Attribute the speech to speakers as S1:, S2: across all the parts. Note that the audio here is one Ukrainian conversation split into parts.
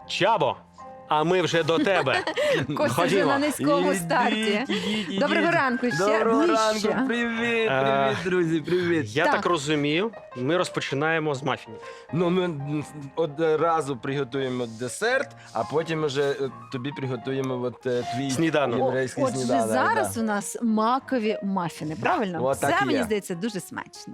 S1: Чабо, а ми вже до тебе.
S2: Костя вже на низькому старті. Доброго ранку ще.
S3: Доброго
S2: ближче.
S3: ранку, привіт, привіт, друзі, привіт.
S1: Я
S2: Так.
S1: так розумію, ми розпочинаємо з мафінів.
S3: Ну, ми одразу приготуємо десерт, а потім вже тобі приготуємо твій
S1: Сніданок.
S3: єврейський
S2: Отже,
S3: сніданок.
S2: зараз у нас макові мафіни, правильно?
S3: От так
S2: Це,
S3: і
S2: мені
S3: є.
S2: здається, дуже смачно.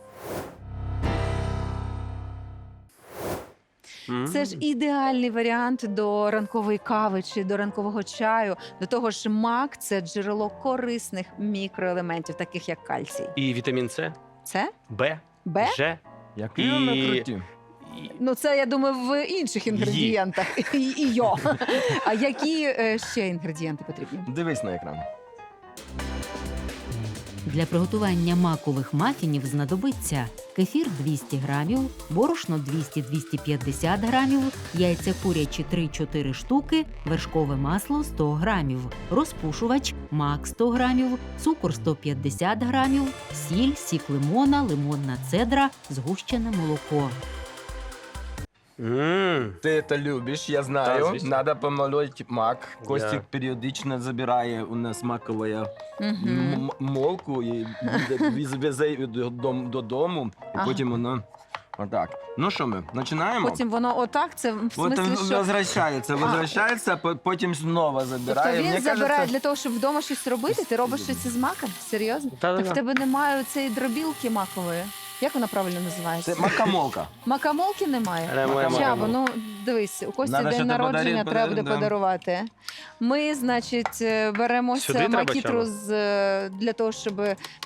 S2: Це ж ідеальний варіант до ранкової кави чи до ранкового чаю. До того ж, мак – це джерело корисних мікроелементів, таких як кальцій.
S1: І вітамін С,
S2: Це
S1: Б,
S2: Б?
S1: Ж.
S3: Які
S1: І-
S3: вони круті.
S1: і-
S2: Ну, це, я думаю, в інших інгредієнтах. І йо. А які ще інгредієнти потрібні?
S3: Дивись на екран.
S4: Для приготування макових мафінів знадобиться кефір 200 грамів, борошно 200-250 грамів, яйця курячі 3-4 штуки, вершкове масло 100 грамів, розпушувач, мак 100 грамів, цукор 150 грамів, сіль, сік лимона, лимонна цедра, згущене молоко.
S3: Ти це любиш, я
S1: Так,
S3: знаю.
S1: звісно.
S3: Надо помолоть мак. Костік
S1: Я-
S3: періодично забирає у нас макову
S2: Мгм.
S3: молку і везе її додому, і
S2: Ага.
S3: потім воно отак. Ну що ми, починаємо?
S2: Потім воно отак, це в
S3: Потім
S2: смислі, що...
S3: возвращається, потім знову забирає.
S2: Тобто він
S3: Мені
S2: забирає
S3: кажеться,
S2: для того, щоб вдома щось робити? Ти робиш щось із маком? Серйозно?
S1: Та-та-та.
S2: Так в тебе немає цієї дробілки макової? Як вона правильно називається?
S3: це макамолка.
S2: Макамолки немає?
S1: Немає
S2: Чабо,
S1: макамолки.
S2: ну дивись, у Кості
S3: Надо
S2: день
S3: ще
S2: народження, треба буде
S3: да.
S2: подарувати. Ми, значить, беремося
S1: Сюди треба,
S2: макітру
S1: Чабо?
S2: для того, щоб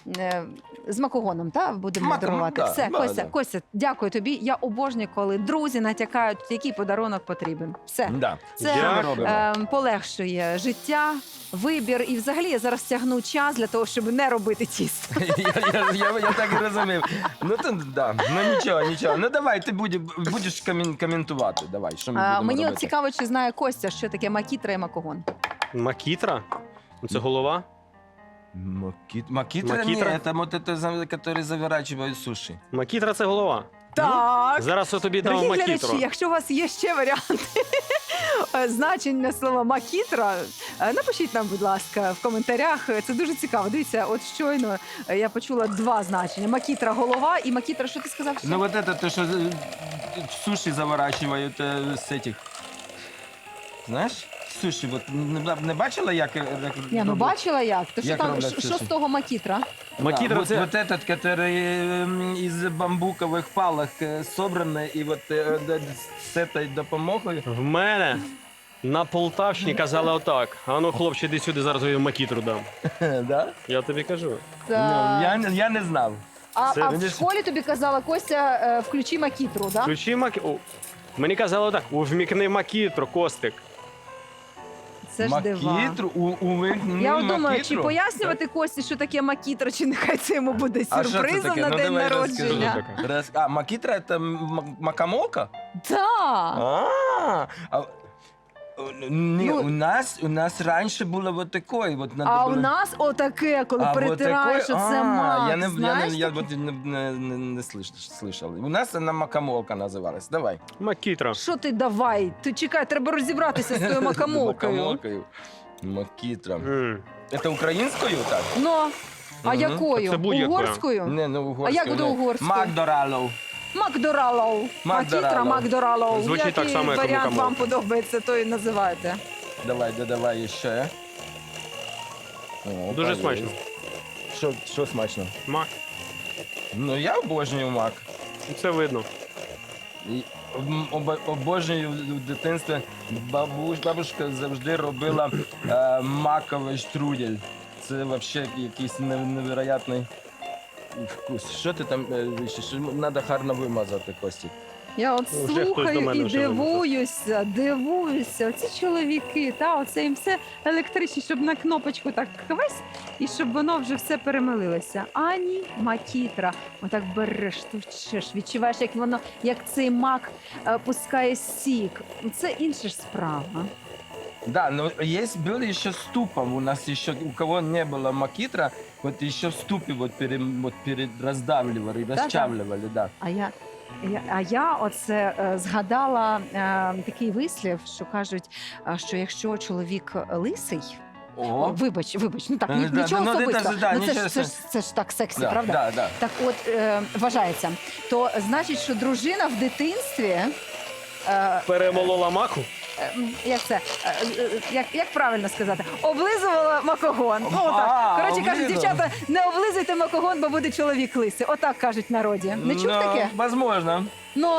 S2: з макогоном, будемо
S3: Маком,
S2: дарувати.
S3: да,
S2: Все,
S3: да,
S2: Костя,
S3: да.
S2: Костя, дякую тобі. Я обожнюю, коли друзі натякають, який подарунок потрібен. Все.
S3: Да.
S2: Це
S3: Що ми робимо?
S2: полегшує життя, вибір. І взагалі я зараз тягну час для того, щоб не робити тісто.
S3: Я так і розумів. Ну, то, да. Ну нічого. Ну давай, ти будеш коментувати. Давай, що ми будемо
S2: Мені от
S3: робити?
S2: цікаво, чи знає Костя, що таке макітра і макогон.
S1: Макітра? Це голова?
S3: Макитра?
S1: Макитра?
S3: Нет, это вот это, который заворачивают суши.
S1: Макітра це голова.
S2: Так.
S1: Зараз я тобі дам
S2: Дорогі
S1: макітру.
S2: глядачі, якщо у вас є ще варіанти значення слова макітра, напишіть нам, будь ласка, в коментарях. Це дуже цікаво. Дивіться, от щойно я почула два значення: макітра голова і макітра, що ти сказав? ще?
S3: Ну вот это то, что суши заворачивают с этих. Знаешь? Суши, вот не бачила, як
S2: Ні, ну бачила як. То що
S3: Як
S2: там,
S3: роблять
S2: що
S3: суші?
S2: з того макітра?
S1: Макітра
S3: вот,
S1: це...
S3: вот этот, который из бамбуковых палок собранный, и вот с этой допомогою.
S1: В мене на Полтавщині казали отак. А ну, хлопче, іди сюди, зараз я тобі макітру дам.
S3: Да?
S1: Я тобі кажу.
S3: Ну, я не знав.
S2: А в
S3: видиш?
S2: школі тобі казала Костя, включи макітру, так?
S1: Включи макітру. Мені казали отак, вмікни макітру, Костик.
S2: Це ж дива.
S3: Макітру?
S2: Я от думаю, чи
S3: макітру?
S2: пояснювати Кості, що таке макітра, чи нехай це йому буде
S3: А що це
S2: сюрпризом
S3: таке?
S2: на
S3: Ну,
S2: день
S3: давай
S2: народження.
S3: розкажи. А, макітра – це макамолка?
S2: Так.
S3: Ні,
S2: Ну,
S3: у нас раніше було вот такое. Вот надо
S2: А
S3: було...
S2: у нас отаке, коли
S3: вот
S2: перетираєш,
S3: такое?
S2: оце мак.
S3: Я
S2: знаєш таке?
S3: вот не слышал. У нас вона макамолка називалась. Давай.
S1: Макітра.
S2: Що ти давай? Ти чекай, треба розібратися з тою макамолкою.
S3: Макамолкою. Макітра.
S1: М.
S3: Це українською так?
S2: Ну, а
S3: Мгм.
S2: якою?
S1: Це будь-якою.
S2: Угорською?
S3: Не, ну угорською.
S2: А як буде угорською?
S3: Макдоралов.
S2: Макдоралоу. Макітра,
S3: Макдоралоу.
S2: Макдоралоу.
S1: Звучить
S2: Який
S1: так само, як
S2: варіант
S1: макамолка.
S2: вам подобається, то і називайте.
S3: Давай, додавай ще. О,
S1: Дуже
S3: поїсть.
S1: смачно.
S3: Що смачно?
S1: Мак.
S3: Ну, я обожнюю мак.
S1: Це видно.
S3: І обожнюю в дитинстві. Бабушка завжди робила маковий штрудель. Це взагалі якийсь невероятний вкус. Що ти там вищиш? Треба гарно вимазати, Костік.
S2: Я от
S1: Вже хтось до
S2: слухаю
S1: мене
S2: і
S1: вже
S2: дивуюся. Оці чоловіки, оце їм все електричне, щоб на кнопочку так хвесь, і щоб воно вже все перемилилося. Ані макітра. Отак береш, товчеш, відчуваєш, як воно, як цей мак пускає сік. Це інша ж справа.
S3: Да, но есть был еще ступом. У нас еще, у кого не было макитра, вот еще в ступе вот раздавливали,
S2: Да-да.
S3: расчавливали, да.
S2: А я А я оце згадала такий вислів, що кажуть, що якщо чоловік лисий,
S3: О,
S2: вибач, ну так,
S3: Да,
S2: нічого
S3: ну, ти
S2: особистого.
S3: теж, да,
S2: Ну, це
S3: нічого
S2: ж це ж так сексі,
S3: да,
S2: правда?
S3: Да, да.
S2: Так от, вважається, то значить, що дружина в дитинстві.
S1: Перемолола маку.
S2: Як це? Як правильно сказати? Облизувала макогон. Ну, отак. Коротше кажуть,
S3: облизувала.
S2: дівчата, не облизуйте макогон, бо буде чоловік лисий. Отак кажуть в народі. Не чув таке?
S3: Возможно.
S2: Ну,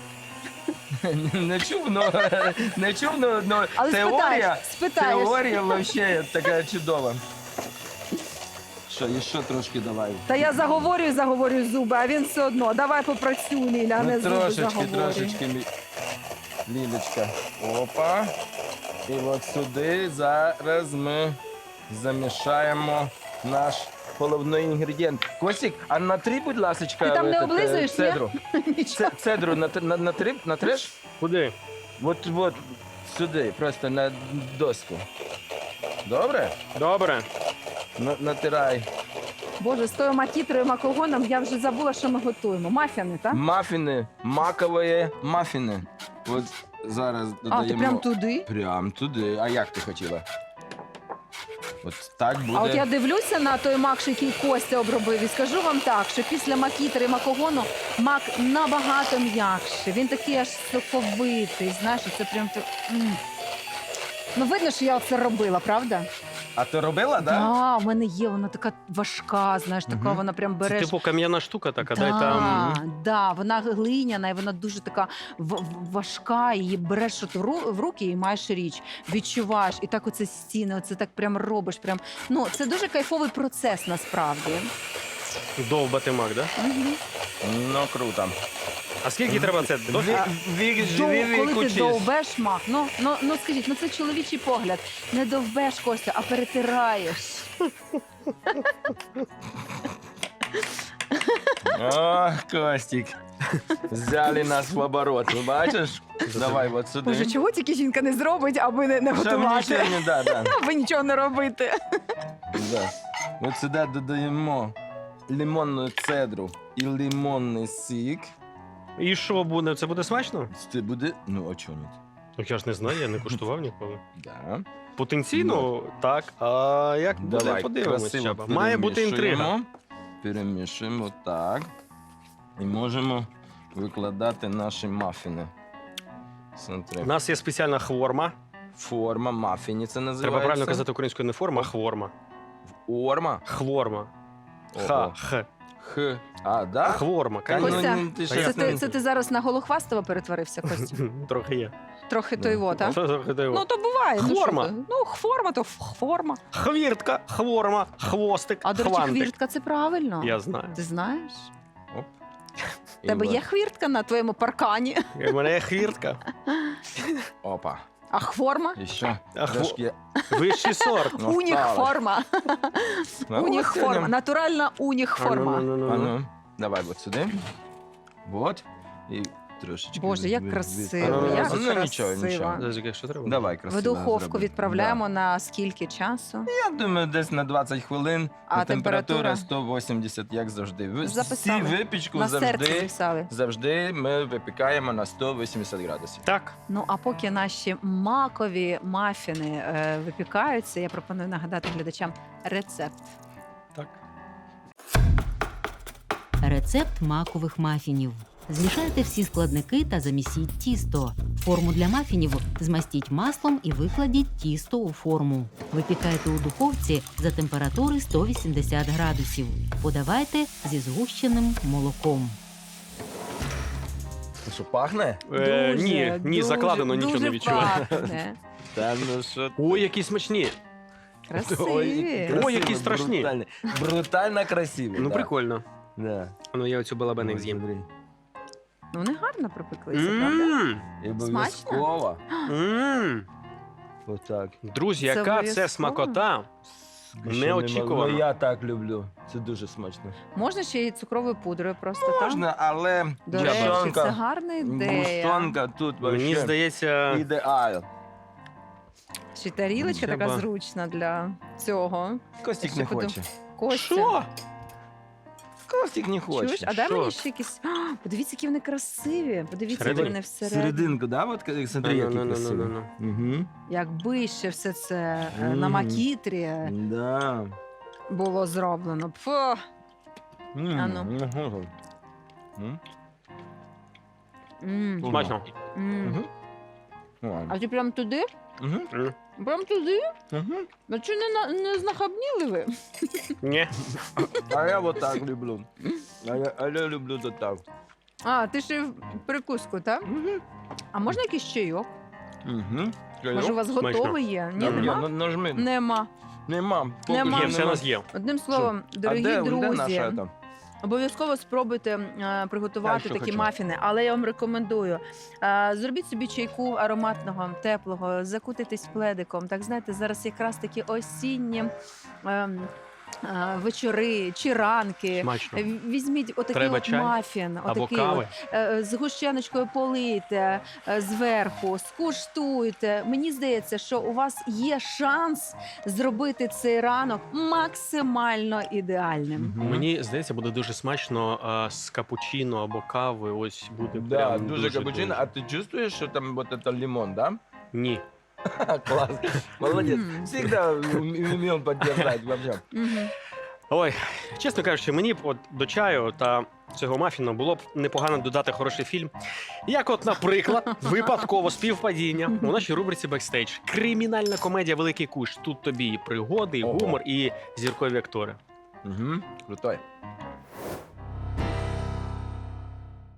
S3: Не чув, но
S2: але спитаєш.
S3: теорія вообще така чудова. Що, і що трошки давай?
S2: Та я заговорю зуби, а він все одно. Давай попрацюй, Ліля, а не зуби заговорюй.
S3: Трошечки, Лілечка. Опа. І от сюди зараз ми замішаємо наш головний інгредієнт. Костік, а натри, будь ласочка,
S2: Ти там не облизуєш, ні?
S3: цедру.
S2: Нічого.
S3: Цедру натреш?
S1: Куди?
S3: От сюди, просто на доску. Добре?
S1: Добре.
S3: Натирай.
S2: Боже, з тою макітрою макогоном я вже забула, що ми готуємо. Мафіни, так?
S3: Мафіни, макові мафіни. От зараз додаємо.
S2: А, ти прям туди?
S3: Прям туди. А як ти хотіла? От так буде.
S2: А от я дивлюся на той мак, що який Костя обробив, і скажу вам так, що після макітри і макогону мак набагато м'якший. Він такий аж соковитий, знаєш, це прям так. Ну, видно, що я це робила, правда?
S3: А ти робила, да?
S2: Так, в мене є, вона така важка, знаєш, така
S3: Мгм.
S2: вона прям
S1: Це
S2: береш.
S1: типу кам'яна штука така,
S2: Да,
S1: дай там.
S2: да, вона глиняна, і вона дуже така важка, її береш от в руки і маєш річ, відчуваєш, і так оце стіни, оце так прям робиш. Прям. Ну, це дуже кайфовий процес насправді.
S1: Довбати мак, да?
S2: Мгм.
S3: Ну, круто.
S1: А скільки треба це? Досить?
S2: Коли ти довбеш мак, ну скажіть, ну це чоловічий погляд. Не довбеш, Костя, а перетираєш.
S3: Ох, Костік. Взяли нас в оборот, ви бачиш? Давай от сюди.
S2: Боже, чого тільки жінка не зробить, аби не
S3: Щоб
S2: готувати,
S3: нічого не, да.
S2: аби нічого не робити.
S3: Да. От сюди додаємо лимонну цедру і лимонний сік.
S1: І що буде? Це буде смачно?
S3: Це буде, ну, а чого ні?
S1: Так я ж не знаю, я не куштував ніколи.
S3: Да.
S1: Потенційно, так. А як буде,
S3: Давай,
S1: подивимось.
S3: красиво
S1: Чаба. Має бути інтрига.
S3: перемішуємо. Перемішуємо так. І можемо викладати наші мафіни. Смотри.
S1: У нас є спеціальна хворма.
S3: Форма мафіні це називається.
S1: Треба правильно казати українською не форма, а хворма.
S3: Орма.
S1: Хворма.
S3: Ого.
S1: Х.
S3: Х. А, да?
S1: Хворма,
S3: Та,
S1: конечно.
S2: Костя,
S3: ну, ти
S1: Та
S3: щас
S1: я
S3: не-
S2: Це ти зараз на Голохвастова перетворився, Костя?
S1: Трохи є.
S2: Трохи той вот, а?
S1: Що трохи той
S2: Ну, то буває. ну,
S1: Хворма.
S2: що ти? Ну, хворма, то хворма.
S1: Хвіртка, хворма, хвостик,
S2: А, до речі,
S1: хвантик.
S2: хвіртка це правильно.
S1: Я знаю.
S2: Ти знаєш?
S3: Оп.
S2: У тебе
S3: І
S2: є
S3: от.
S2: хвіртка на твоєму паркані,
S1: У мене є хвіртка.
S3: Опа.
S2: а хворма?
S3: І ще
S1: А
S3: трошки.
S1: Вищий сорт.
S3: Ну,
S2: Уніхформа.
S3: Ну,
S2: Уніхформа.
S3: сьогодні-
S2: Натуральна уніхформа.
S3: А ну, давай от сюди. Вот. І трошечки.
S2: Боже, як
S3: від-
S2: красиво,
S3: від-
S1: як
S3: Ну, нічого,
S2: красиво.
S3: нічого.
S1: Зазіки, що треба?
S3: Давай,
S2: В
S3: красиво.
S2: духовку
S3: зроби.
S2: відправляємо
S3: Да.
S2: на скільки часу?
S3: Я думаю, десь на 20 хвилин.
S2: А температура?
S3: 180, як завжди. Всі
S2: Записали.
S3: випічку
S2: На серце
S3: завжди,
S2: записали.
S3: завжди ми випікаємо на 180 градусів.
S1: Так.
S2: Ну а поки наші макові мафіни випікаються, я пропоную нагадати глядачам рецепт.
S1: Так.
S4: Рецепт макових мафінів. Змішайте всі складники та замісіть тісто. Форму для мафінів змастіть маслом і викладіть тісто у форму. Випікайте у духовці за температури 180 градусів. Подавайте зі згущеним молоком.
S3: Що, пахне?
S1: Ні, закладено, нічого не
S2: дуже
S1: відчуваю.
S2: пахне.
S3: Та ну що.
S1: Ой, які смачні.
S2: Красиві.
S1: Ой, які страшні.
S3: Брутально, брутально красиві.
S1: Ну,
S3: да.
S1: прикольно.
S3: Да.
S1: Ну, я оцю балабеник з'їм.
S3: Смотри.
S2: Ну, вони гарно пропеклися, правда?
S1: Мм.
S3: І обов'язково.
S1: Мм.
S3: Отак.
S1: Друзі,
S2: Це
S1: яка це
S2: обов'язково.
S1: смакота. Неочікувано.
S3: Ну, я так люблю. Це дуже смачно.
S2: Можна ще й цукровою пудрою просто так?
S3: Можна, але
S2: До речі, це
S3: гущонка,
S2: гарна ідея.
S3: гущонка тут
S1: Мені
S3: вообще
S1: здається,
S3: ідеал.
S2: Чи тарілочка така
S1: Треба.
S2: зручна для цього?
S3: Костік
S2: Ще
S3: не
S2: подум-
S3: хоче.
S2: Костя.
S1: що?
S3: Костик не хоче.
S2: Чуєш? А дай
S1: Що?
S2: мені ще якісь. А, подивіться, які вони красиві. Подивіться, які
S1: Всередині?
S2: вони всередині.
S3: Серединку, да? От смотри, які красиві. Угу.
S2: Якби ще все це на
S3: Мгм.
S2: макітрі
S3: Да.
S2: було зроблено. Фу. Ану.
S3: М.
S2: М,
S1: Смачно.
S2: м.
S3: Мгм. Ладно.
S2: А ти прям туди?
S3: Мгм.
S2: Прям туди?
S3: Мгм.
S2: А чи не знахабніли ви?
S1: Ні.
S3: А я вот так люблю. А я люблю вот так.
S2: А, ти ще в прикуску, так?
S3: Мгм.
S2: А можна якийсь чайок?
S3: Мгм.
S2: Може, у вас
S1: Смачно.
S2: готовий є? Ні,
S3: Ні,
S2: нема?
S3: нажми.
S2: Нема.
S3: Нема. Поки
S2: Нема.
S3: що
S1: Є, все у нас є.
S2: Одним словом,
S3: А
S2: дорогі
S3: де
S2: друзі,
S3: наша там?
S2: обов'язково спробуйте
S3: Я
S2: приготувати
S3: що
S2: такі
S3: хочу.
S2: мафіни, але я вам рекомендую. Зробіть собі чайку ароматного, теплого, закутитись пледиком. Так знаєте, зараз якраз такі осінні вечори чи ранки.
S1: Смачно.
S2: Візьміть отакий
S1: Треба
S2: от
S1: чай?
S2: мафін,
S1: Або
S2: отакий
S1: кави.
S2: з гущеночкою полийте зверху, скуштуйте. Мені здається, що у вас є шанс зробити цей ранок максимально ідеальним.
S3: Мгм.
S1: Мені здається, буде дуже смачно з капучино або кави. Ось буде
S3: Да,
S1: прям
S3: дуже капучино. А ти чувствуєш, що там вот это лимон, да?
S1: Ні.
S3: Класс. Молодец.
S2: М.
S3: Всегда умел поддержать вообще.
S2: Мгм.
S1: Ой, чесно кажучи, мені б от до чаю та цього мафіну було б непогано додати хороший фільм. Як, от, наприклад, випадково співпадіння у нашій рубриці «Бекстейдж». Кримінальна комедія «Великий куш». Тут тобі і пригоди, і
S3: Ого.
S1: гумор, і зіркові актори.
S3: Угу. Крутой.